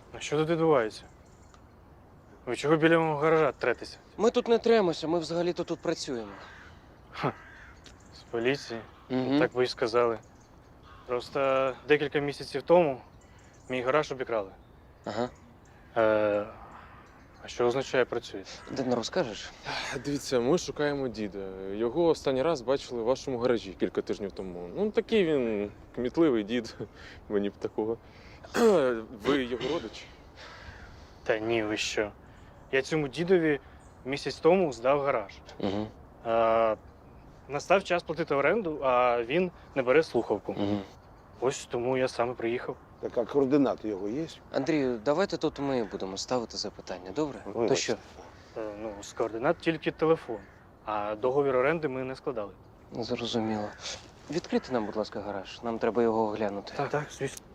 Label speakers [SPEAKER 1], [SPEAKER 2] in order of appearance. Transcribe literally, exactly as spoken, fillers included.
[SPEAKER 1] А що тут відбувається? Ви чого біля мого гаража третеся?
[SPEAKER 2] Ми тут не тремося, ми взагалі-то тут працюємо.
[SPEAKER 1] З поліції?
[SPEAKER 2] Угу.
[SPEAKER 1] Так ви й сказали. Просто декілька місяців тому мій гараж обікрали.
[SPEAKER 2] Ага.
[SPEAKER 1] Е, а що означає працюєте?
[SPEAKER 2] Де не розкажеш?
[SPEAKER 3] Дивіться, ми шукаємо діда. Його останній раз бачили в вашому гаражі кілька тижнів тому. Ну, такий він кмітливий дід, мені б такого. Ви його родич?
[SPEAKER 1] Та ні, ви що? Я цьому дідові місяць тому здав гараж.
[SPEAKER 2] Угу.
[SPEAKER 1] Е, настав час платити оренду, а він не бере слухавку.
[SPEAKER 2] Угу.
[SPEAKER 1] Ось тому я саме приїхав.
[SPEAKER 4] Так, а координати його є?
[SPEAKER 2] Андрію, давайте тут ми будемо ставити запитання, добре? То що?
[SPEAKER 1] Е, ну, з координат тільки телефон, а договір оренди ми не складали.
[SPEAKER 2] Зрозуміло. Відкрийте нам, будь ласка, гараж. Нам треба його оглянути.
[SPEAKER 1] Так, так, звісно.